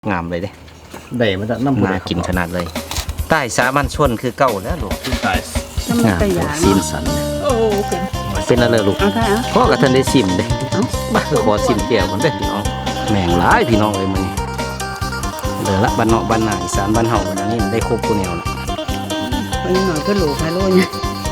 งามเลยเด้ได้มันจะน้ำน่ากินขนาดเลยใต้สามัญชนคือเก่าแล้วลูกใต้งามซีนสันโอ้เป็นอะไรลูกพ่อกับท่านได้ซิมเด้บ้าขอซิมเกี่ยวกันเด้พี่น้องแม่งหลายพี่น้องเลยมันเหลือละบ้านเนาะบ้านนาอีสานบ้านเฮาอันนี้ได้ครบกูแนวละไปหน่อยก็หลูกไฮโลเนี่ย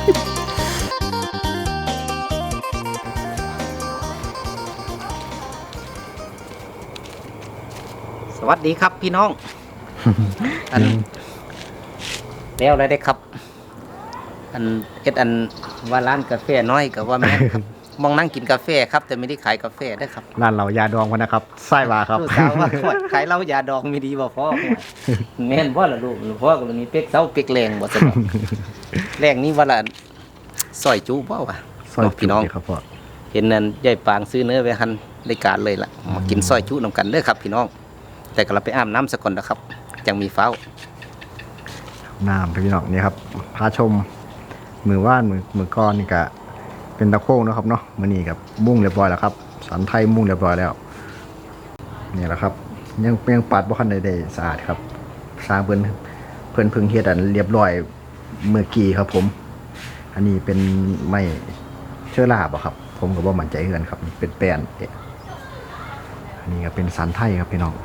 สวัสดีครับพี่น้องอันแล้วอะไรได้ครับอันเอ็ดอันว่าร้านกาแฟน้อยกับว่าแม่ครับมองนั่งกินกาแฟครับแต่ไม่ได้ขายกาแฟได้ครับร้านเรายาดองกันนะครับไส้วาครับลูกสาวว่าขายเหล้ายาดองไม่ดีบ่พ่อแม่นพ่อละลูกพ่อก็มีเป็กเซาเป็กแรงบ่สนุกแรงนี้ว่าละซอยจูบ่วะซอยพี่น้องครับพ่อเห็นนั่นยายปางซื้อเนื้อไว้หั่นได้การเลยล่ะมากินซอยจูนำกันเด้อครับพี่น้องแต่ก็เราไปอาบน้ำซะก่อนนะครับจังมีฟ้าน้ำพี่น้องนี่ครับพาชมมือว่านมือก้อนนี่ก็เป็นตะโค้งนะครับเนาะมือนี่กับมุ่งเรียบร้อยแล้วครับสันไทยมุ่งเรียบร้อยแล้วนี่แหละครับยังปัดบ่คันใดๆสะอาดครับสร้างเพิ่นพึ่งเฮ็ดอันเรียบร้อยเมื่อกี้ครับผมอันนี้เป็นไม้เชื้อราบ่ครับผมก็บ่มั่นใจเฮือนครับเป็นแป้นอันนี้ก็เป็นสันไทยครับพี่น้อง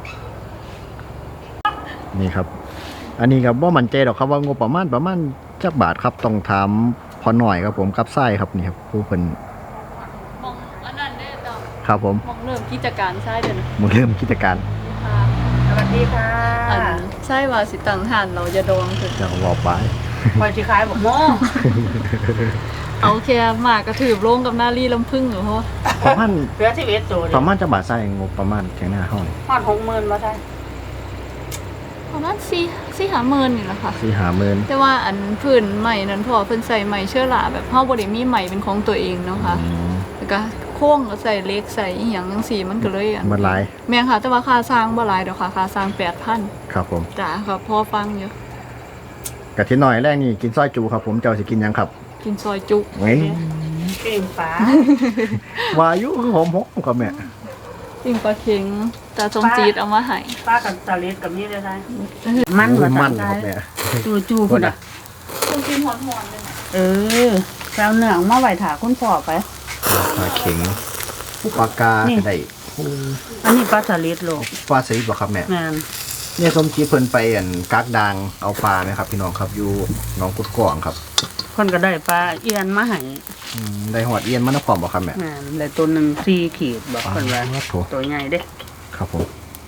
นี่ครับอันนี้ครับว่ามั่นใจหรอกครับว่างบประมาณจักบาทครับต้องถามพอหน่อยครับผมกับไส้ครับนี่ครับผู้เพิ่นมองอันนั้นได้ต่อครับผมมองเริ่มกิจการใช่เด้อนะมึงเริ่มกิจการสวัสดีค่ะใช่ว่าสิตังหันเราจะโดนคือจะบอกไปคอยสิขายบอกโมเอาแค่หมากระถือโล่งกับหน้ารีลำพึ่งเหรอพ่อประมาณเพื่อชีวิตโจรประมาณจักบาทไส้งบประมาณแค่หน้าห้องฮอด60,000บ่ใช่ประมาณ4-50,000นี่แหละค่ะ 4-50,000 แต่ว่าอันพื้นใหม่นั้นพอเพิ่นใส่ใหม่เชื้อราแบบเฮาบ่ได้มีใหม่เป็นของตัวเองเนาะค่ะแล้วก็โค้งก็ใส่เล็กใส่อีหยังจังซี่มันก็เลยมันหลายแม่นค่ะแต่ว่าค่าสร้างบ่หลายดอกค่ะค่าสร้าง 8,000 ครับผมจ้าค่ะพอฟังอยู่กะทิหน่อยแรกนี่กินซอยจูครับผมเจ้าสิกินยังครับกินซอยจุปิ้งปลาวายุคือหอมครับแม่ปิ้งปลาเค็งตาจงจีดเอามาให้ปลากับตะเล็ดกับนี่ได้ไหมมันครับแม่จูพุ่นอ่ะต้องกินหอนๆเลยแซวเนื้อมาไหวถาคุณพ่อไปปลาเข็งปลากาได้อันนี้ปลาตะเล็ดโลกปลาสลิดบ่ครับแม่เนี่ยสมจีเพิ่นไปกักดางเอาปลาไหมครับพี่น้องครับอยู่หนองกุดกวางครับคนก็ได้ปลาเอียนมาให้ได้หอดเอียนมันพร้อมบ่ครับแม่ได้ตัวหนึ่ง4 ขีดบอกคนว่าตัวใหญ่เด้ครับผม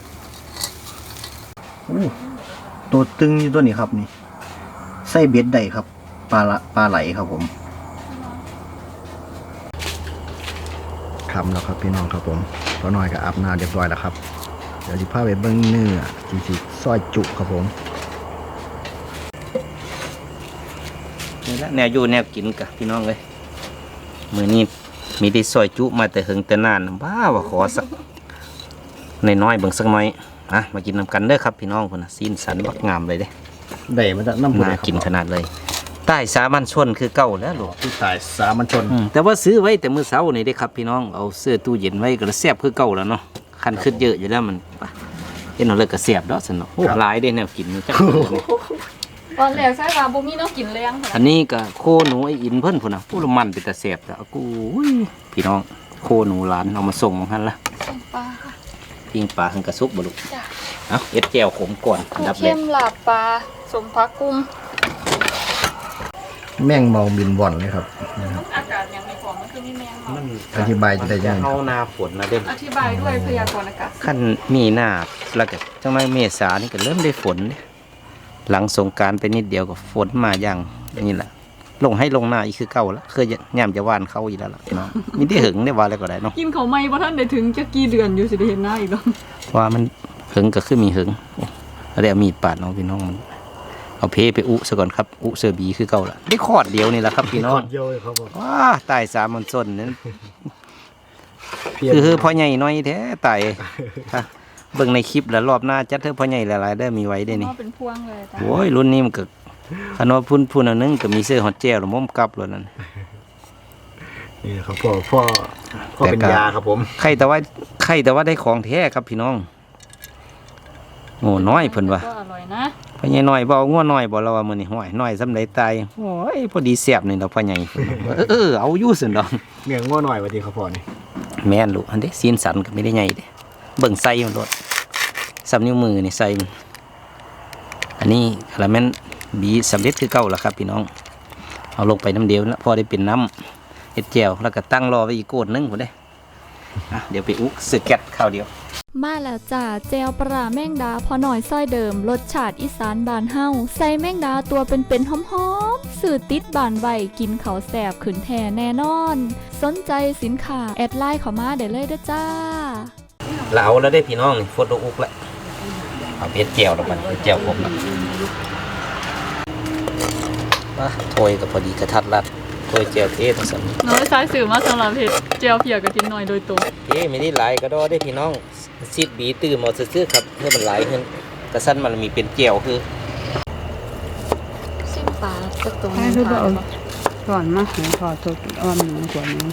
ตัวตึงอยู่ตัวนี้ครับนี่ไส้เบ็ดได้ครับปลาไหลครับผมคำแล้วครับพี่น้องครับผมพอหน่อยก็อาบน้ำเรียบร้อยแล้วครับเดี๋ยวจะพาไปเบิ้งเนื้อจีซอยจุครับผมนี่ละแนวอยู่แนวกินกับพี่น้องเลยมือนี้มีได้ซอยจุมาแต่หึงแต่นานบ้าว่าขอสักน้อยเบิ่งสักน้อยมากินนำกันเด้อครับพี่น้องคนนะซีนสันบักงามเลยเด้ได้มันจะน้ำน่ากินขนาดเลยใต้สามัญชนคือเก่าแล้วลูกที่ใต้สามัญชนแต่ว่าซื้อไว้แต่มื้อเช้านี่ได้ครับพี่น้องเอาเสื้อตู้เย็นไว้ก็แซ่บคือเก่าแล้วเนาะคันขึ้นเยอะอยู่แล้วมันเห็นเอาเลยก็แซ่บดอกสนุกหลายได้แนวกินจักตอนแรกใช่ว่าบ่มีแนวกินแรงอันนี้ก็โคหนูไอ้อินเพิ่นพุ่นน่ะผู้ละมันเป็นตาแซ่บแล้วกูพี่น้องโคหนูหลานเอามาส่งหั่นล่ะปลาค่ะปิ้งปลาหั่นกระสุกบ่ลูกเอาเอ็ดแจ่วขมก่อนดับเลยเข้มลาบปลาสมผักกุ้งแมงเมาบินบ่อนเลยครับอากาศยังไม่พอมันคือมีแมงเมาอธิบายจะได้ยังเข้าหน้าฝนนะเด้อธิบายด้วยพยากรณ์อากาศขั้นมีหน้าแล้วก็จังไรเมษานี่ก็เริ่มได้ฝนหลังสงกรานต์ไปนิดเดียวก็ฝนมาอย่างนี่แหละลงให้ลงหน้าอีกคือเก่าแล้วเคยย่ำจะว่านเข้าอีกแล้วล่ะเนาะมีที่หึงได้ว่าอะไรก็ได้เนาะกินเขาไม่เพราะท่านได้ถึงจะกี่เดือนอยู่สิได้เห็นหน้าอีกแล้วว่ามันหึงก็คือมีหึงอะไรมีดปาดน้องพี่น้องมันเอาเพไปอุซะก่อนครับอุเสือบีคือเก่าละได้ขอดเดียวนี่แหละครับพี่น้องว้าตายสามัญชนนั้นคือพ่อใหญ่น้อยแท้ตายเบิ่งในคลิปแล้วรอบหน้าจัดเธอพ่อใหญ่หลายๆได้มีไว้ได้นี่เป็นพวงเลยโอ้ยรุ่นนี้มันก็ขนมพุ่นอันนึงก็มีเสื้อฮอตเจลหรือม้มกับเลยนั่นนี่ครับพ่อเป็นยาครับผมใครแต่ว่าได้ของแท้ครับพี่น้องโอ้น้อยเพิ่นว่าก็อร่อยนะพ่อใหญ่น้อยบ่เอางัวน้อยบ่เราว่ามื้อนี้ห้อยน้อยซำใดตายโอ้ยพอดีแซ่บนี่ดอกพ่อใหญ่เพิ่นว่าเอาอยู่ซั่นดอกเนื้องัวหน่อยว่าดีครับพ่อนี่แม่นลูกอันเด้ซีนสันก็ไม่ได้ใหญ่เด้เบิ่งไส้มันโลดซ้ำนิ้วมือนี่ไส้มันอันนี้กระแม่นบีสำเร็จคือเก่าแล้วครับพี่น้องเอาลงไปน้ำเดียวแล้วพอได้เป็นน้ำเฮ็ดแจ่วแล้วก็ตั้งรอไว้อีกโกดนึงพุ่นเด้เดี๋ยวไปอุกสึกแก๊สข้าวเดียวมาแล้วจ้าเจลปลาแมงดาพอหน่อยซ้อยเดิมรสชาติอีสานบานเฮาใส่แมงดาตัวเป็นๆหอมๆสื่อติดบานไวกินเขาวแสบขืนแท่แน่นอน สนใจสินค้าแอดไลน์เข้ามาได้เลยเด้อจ้าเราเอาแล้วได้พี่น้องนี่ฟดอุกแล้วเอาเฮ็ดแจ่วแล้วมันเฮ็ดแจ่วผมแล้วว่าถ้วยก็พอดีกระทัดรัดถ้วยแจ่วเทศสั่นน้อยซ้ายสื่อมาสำหรับเห็ดเจียวเพียกระทินหน่อยโดยตรงไม่ได้หลายก็ดอได้พี่น้องซีดบีตื่มเอาซื่อๆครับเพื่อมันหลายขึ้นกระสั้นมันมีเป็นแจ่วคือซิมปลาสักตัวให้ทุกเอาก่อนมาให้พอตัวอ่อนหนูกว่านี้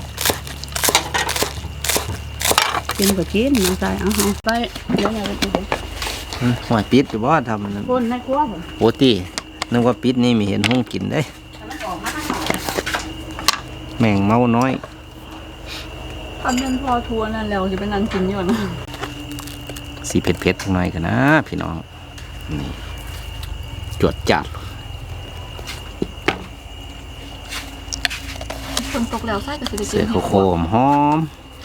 กินก็กินมาใส่เอาไปเดี๋ยวเราไปกินหัวปิดหรือว่าทำมันคนในครัวผมโอตีนึกว่าปิดนี่มีเห็นห้องกินได้แมงเมาน้อยทำเป็นพอทัวร์นั่นแล้วจะเป็นนันกินอยู่นะสีเผ็ดๆหน่อยกันนะพี่น้องนี่จวดจัดคนตกแล้วไส้ก็จะได้กิเสืนอโคมหอม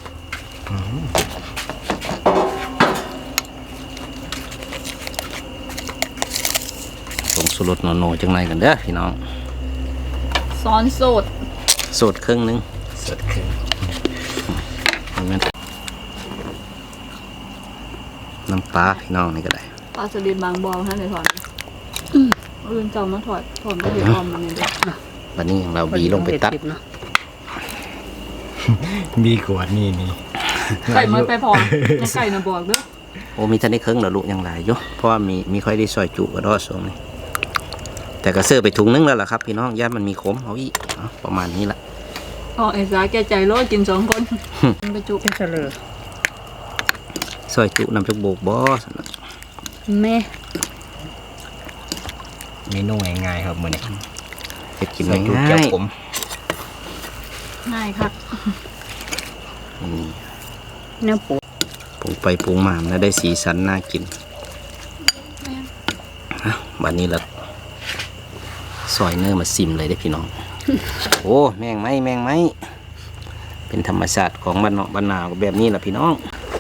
ลงสุรสโนจังไรกันเด้อพี่น้องซ้อนโสดสดครึ่งนึงสดครึ่งน้ำปลาพี่น้องนี่ก็ได้ปลาสลิดบางบอลท่านเลยถอนอื่นเจ้ามาถอดก็เห็ดออมมันนี่เด้อวันนี้เราบีลงไปตัดเนาะมีกวดนี่ไก่มันไปพอยังไก่นะบอกเด้อโอ้มีท่านได้เครื่องเหรอลูกยังหลายอยู่เพราะว่ามีค่อยได้ซอยจุกระดอสงนี่แต่ก็เสื้อไปถุงนึงแล้วล่ะครับพี่น้องย่านมันมีขมเอาอีกเอาประมาณนี้ละอ๋อไอ้สาแกใจร้อยกิน2 คนไปจุเป็นเสลอซอยจุนำจุกโบกบอสนะแม่เมนูง่ายๆครับมื้อนี้เฮ็ดกินใส่จุ๊บง่าเจียวย ผมง่ายครับนี่เนื้อปูปรุงไปปรุงมาแล้วได้สีสันน่ากินวันนี้ละซอยเนื้อมาซิมเลยได้อพี่น้อง โอ้แมงไหมเป็นธรรมชาติของบ้านเนาะบ้านนาก็แบบนี้แหละพี่น้อง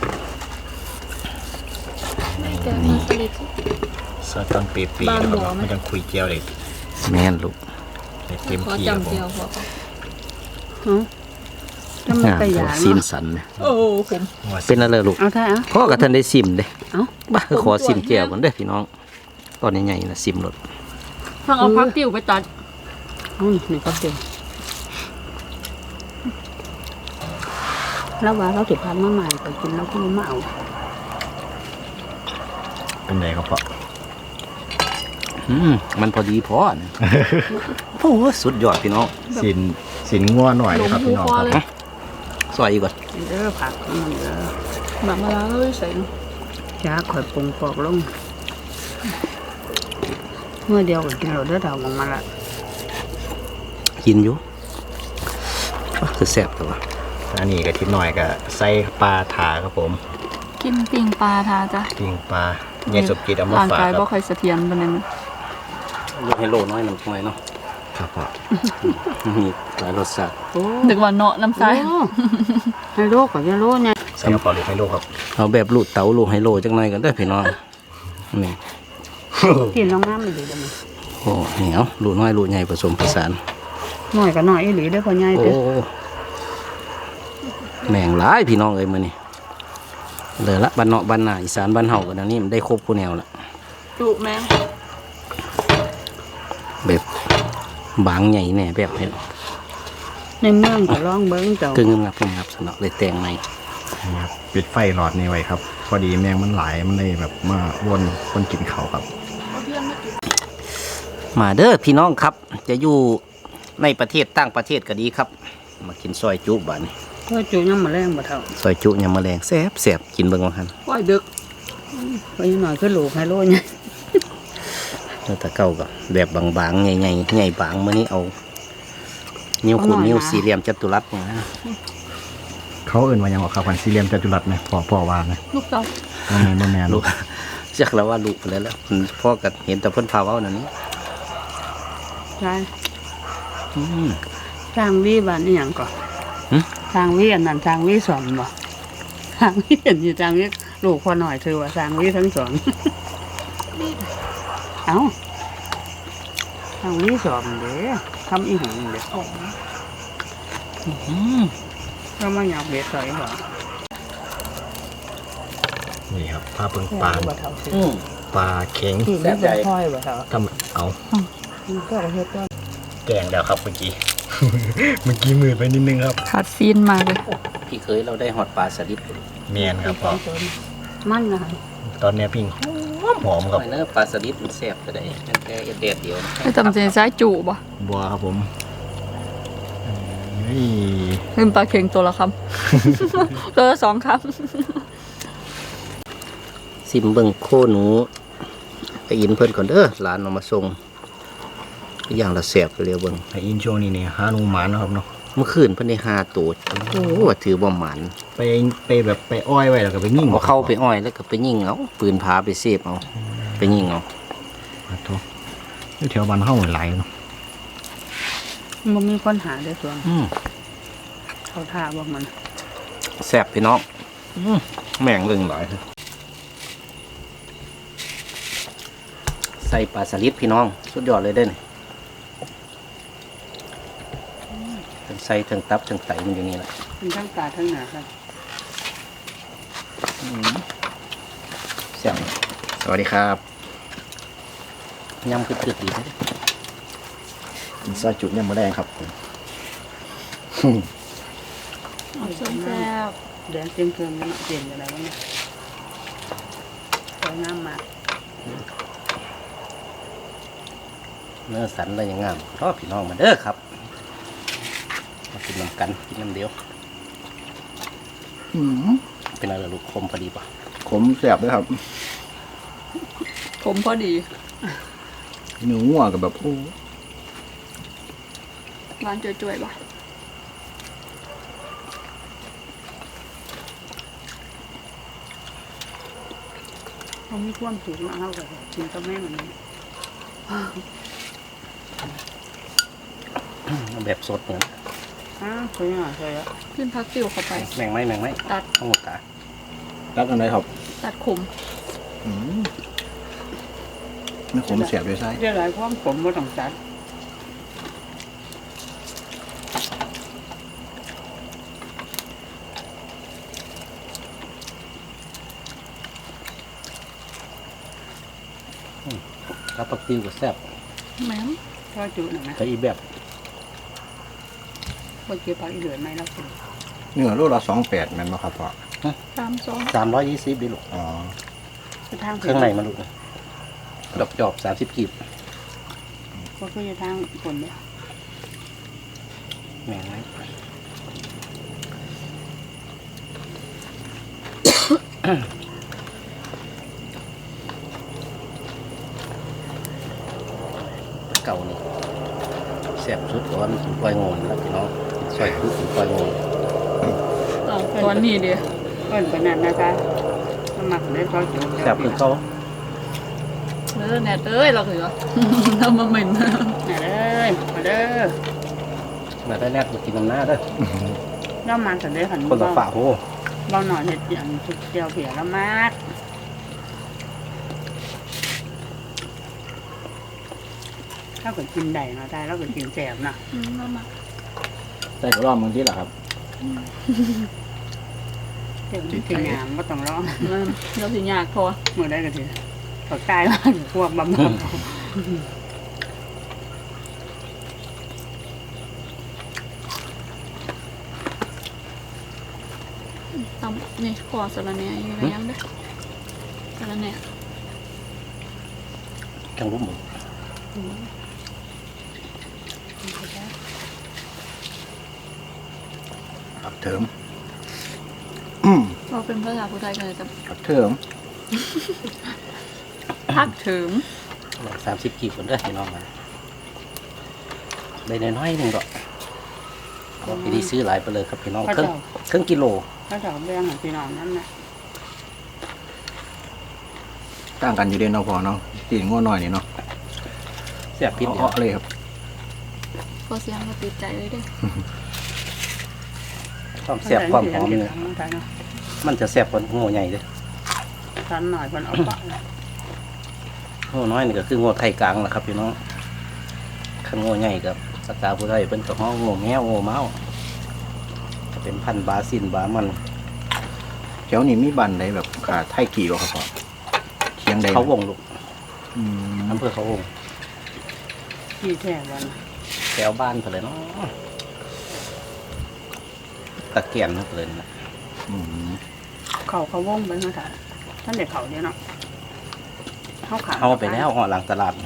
แกงมันสลิดซอสต้นปีๆนะครับไม่ต้องคุยเจียวเลยแม่นลูกเต็มขอที่ครับจำผเจียวมพอจะมันกระยาซีนเนาะสันนะโอ้ผมเป็นอะไรลูกเอาท่าเอาพ่อกับท่านได้ซิมเด้เอาบ้าขอซิมแก้วกันเด้อพี่น้องตอนใหญ่ๆนะซิมรถทางเอาพักติ้วไปตัดเอานี่ก็เต็มแล้วว่าเราถือพันมาใหม่ไปกินแล้วก็มาเอาเป็นไงครับพ่อมันพอดีพอนะ โอ้โหสุดยอดพี่น้องสินงัวหน่อยหลนะงครับหูพี่น้องคอครับเลยซอยอีกก่อนเด้อผักมันเด้อแบบมาแล้วเลยใส่เนาะจ้าข่อยปรุงปอกลงเมื่อเดียวก็กินเราเด้อดาวมองมาละกินอยู่คือแซ่บแต่ว่าอันนี้ก็ทิศหน่อยก็ใส่ปลาถาครับผมกินปิ่งปลาทาจ้ะปิ้งปลาเนี่ยสมจิตเอามาร่างฝากกายคบ่รับค่อยเสถียรปานนั้นลูกให้โลน้อยหนึ่งหน่อยเนาะครับพ่อมีหลายรสชาติโอ้นึกว่าเนาะน้ำใสให้โลกกับยาโลเนี่ยใส่กระเป๋าหรือให้ลูกครับเอาแบบลูกเต๋าลูกให้โลจังหน่อยกันเด้อพี่น้องนี่กินลงน้ำไม่ดีจังโอ้เหนียวลูกน้อยลูกใหญ่ผสมผสานหน่อยก็หน่อยอีหลีได้อพอใหญ่โอ้เด้อแม่งหลายพี่น้องเอ้ยมื้อนี้เลยละบ้านเนาะบ้านนาอีสานบ้านเฮากันอันนี้มันได้ครบคู่แนวละจุแมงแบบบางใหญ่แน่แบบเห็นในเมืองก็ลองเบิ้งเจ้ากึ่งงับสนอกเลยแต่งใหม่นะครับปิดไฟหลอดนี้ไว้ครับ พอดีแมงมันหลายมันเลยแบบมาวนคนกินเขาครับมาเด้อพี่น้องครับ จะอยู่ในประเทศต่างประเทศก็ดีครับ มากินซอยจุบ้านนี้เพื่อจูยังมาแรงบ่เท่าซอยจุยำแมลงแซ่บกินเบิ่งว่าหั่นปล่อยดึกไปหน่อยคือลูกไฮโลเนี่ยแล้วแต่เก่าก็แบบบางๆใหญ่ๆใหญ่บางมื้อนี้เอานิ้วขุดนิ้วสี่เหลี่ยมจัตุรัสนะเขาเอื่นว่าหยังว่าครับพันสี่เหลี่ยมจัตุรัสไหมพ่อว่าไหมลูกเต่าบ่แม่นลูกจักแล้วว่าลูกไปแล้วพ่อก็เห็นแต่เพิ่นพาเว้านั่นนี่ใช่อืมทางวิบ้านนี่หยังก่อนหึทางวิอันนั้นทางวิสอนบ่ทางวิเห็นอยู่ทางวิลูกพอหน่อยเธอว่าทางวิทั้งสอง เอ้าทางวิสอนเด้ทำอีหยังเด้อืมก็มาหยาบเบ็ดใส่บ่นี่ครับปลาเปิงปลาอืมปลาเข็งคือไม่เป็นพ่อยบ่เท่าทำเอามันก็เฮ็ดว่าแกงแล้วครับเมื่อกี้ เมื่อกี้มือไปนิดนึงครับขาดซีนมากเลยพี่เคยเราได้ฮอดปลาสลิดเมียนครับพ่อมันนะคะตอนเนี้ยปิ้งหอมครับไอ้เนื้อปลาสลิดมันแซ่บก็ได้มันแค่เด็ดเดียวนะไอ้ตำใจซ้ายจูบ่บัวครับผมนี่ลืมปลาเค็งตัวละคำ ตัวละ2คซิมเบิ่งโคหนูไปอินเพิ่นก่อนเด้อหลานเอามาส่งอย่างละแซ่บไปเร็วเบิ่งไออินช่วงนี้เนี่ยหาหนูหมานนะครับเนาะเมื่อคืนเพิ่นได้5ตัวโอ้ว่าถือบ่หมันไปแบบไปอ้อยไว้แล้วก็ไปยิ่งเอาเข้าไปอ้อยแล้วก็ไปยิงเอาปืนพาไปเสพเอาไปยิงเอาครับทุกอยู่แถวบ้านเฮาหลายเนาะมันมีคนหาได้ส่วนอืมเขาท่าบอกมันแซ่บพี่น้องแม่งเรื่องหลายใส่ปลาสลิดพี่น้องสุดยอดเลยเด้อนี่ทั้งใส่ทั้งตับทั้งไตมันอยู่นี่แหละเป็นทั้งตาทั้งหนาครับแซ่บสวัสดีครับยำคือๆดีนะซอยจุดเนี่ยมาแดงครับำแซ่บแดงเต็มเกินมันเปลี่ยนอะไรวะเนี่ยสวยงามมากเนื้อสันอะไรอย่างงามชอบพี่น้องมาเด้อครับมากินน้ำกันกินน้ำเดียวเป็นอะไรลูกคมพอดีป่ะขมแสบด้วยครับผมพอดีเนื้องัวกับแบบโอ้ร้านจ่วยๆป่ะเขามีความสุขมากเขากับกินกับแม่เหมือนนี้แบบสดเหมือนสวยงามสวยอ่ะขึ้นพักติวเข้าไปแมงไหมตัดทั้งหมดตารักอะไรครับตัดขมไม่ขมแสบด้วยไส้เรื่องอะไรความผมว่าต้องจัดแล้วปักติวก็แซ่บแม่มก็จุหน่อยนะแต่อีแบบพอเกี่ยวปากอีเหลือไหมแล้วคุณเนื้อโลละ28แม่นบ่ครับพ่อ 320ดิลูกอ๋อจะทางเครื่องในมันลูกดอกจอบ30กีบก็คือจะทางคนเนี่ยแมงไหมเก่านี่แซ่บสุดเพราะว่ามันกินกล้วยโงนแล้วพี่น้องกินซอยคุกกินกล้วยโงนตอนนี้เดียวเอิ้นปนันนะคะสมัครได้ก็จุแซ่บคือเขาแน่เอ้ยเราถือ ทำมาเหม็นมาเด้อมาเด้อมาได้แรกมากินน้ำหน้าเด้อแล้วมาสันได้ขันคนละฝาโหเบาหน่อยเห็ดอย่างทุกเดียวเผียแล้วมากถ้าเกิดกินได้เนาะได้แล้วเกิดกินแสบนะใส่กระรอกบางทีเหรอครับเดี๋ยวมันกินงามก็ต้องร้องเราสิยากพอเมื่อได้ก็ทีเขาตายมากพวกบำบัดตำนี่ขอสะระแหน่อยู่ในยังเด้อสะระแหน่จังรุ่มหมูผักเถิมเราเป็นภาษาผู้ไทยกันเลยจ้ะผักเถิมพักถึง 30กีบคนเด้อพี่น้องมาได้น้อยๆหนึงดอกเอาไปดีซื้อหลายไปเลยครับพี่น้องครึ่งกิโลถ้าจะแบ่งให้พี่น้องนั่นแหละต่างกันอยู่เด่นเนาะพอเนาะตีนง้อหน่อยนี่เนาะแซ่บพิษเดียวเอาเลยครับพอเสียงก็ติดใจเลยเด้อความแซ่บความหอมเนี่ยใช่เนาะมันจะแซ่บกว่าโง่ใหญ่เลยทันหน่อยเพิ่นเอาปะโง่น้อยนี่ก็คือโง่ไทยกลางแหละครับพี่น้องขันโง่ใหญ่กับสกาผู้ไทยเป็นกับห้องโง่แมวโง่เมาจะเป็นพันธุ์บาซินบามันแถวนี้มีบันใดแบบขาไทยกี่บ่ครับพ่อเคียงใดเขาวงลูกอืมอำเภอเขาวงที่แท้วันแถวบ้านเพิ่นเลยเนาะตะเกียนเพิ่นเลยนะอืมเขาวงไปมาถ่ายท่านเด็กเขาเนี่ยเนาะเขาขาเอาไปแล้วห่อหลังตลาด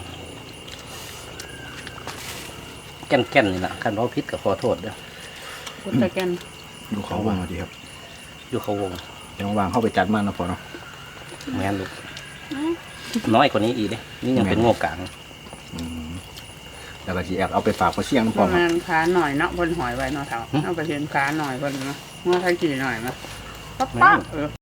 แก่นๆนี่แหละคันว่าพิษก็ขอโทษเด้อพุทธแกนดูเขาว่างดีครับอยู่เขาวงเดี๋ยวว่างเข้าไปจัดมันนะพอเนาะแม่นลูกน้อยกว่านี้อีกเด้นี่ยังเป็นโง่กลางอืมแล้วก็สิแอบเอาไปฝากพ่อเชียงนะปพ่อระเนาะมาณขาหน่อยเนาะบนหอยไว้เนาะเท่าเอาไปเห็นขาหน่อยบนเนาะเมื่อไทยกี่หน่อยมาปั๊บปั๊บ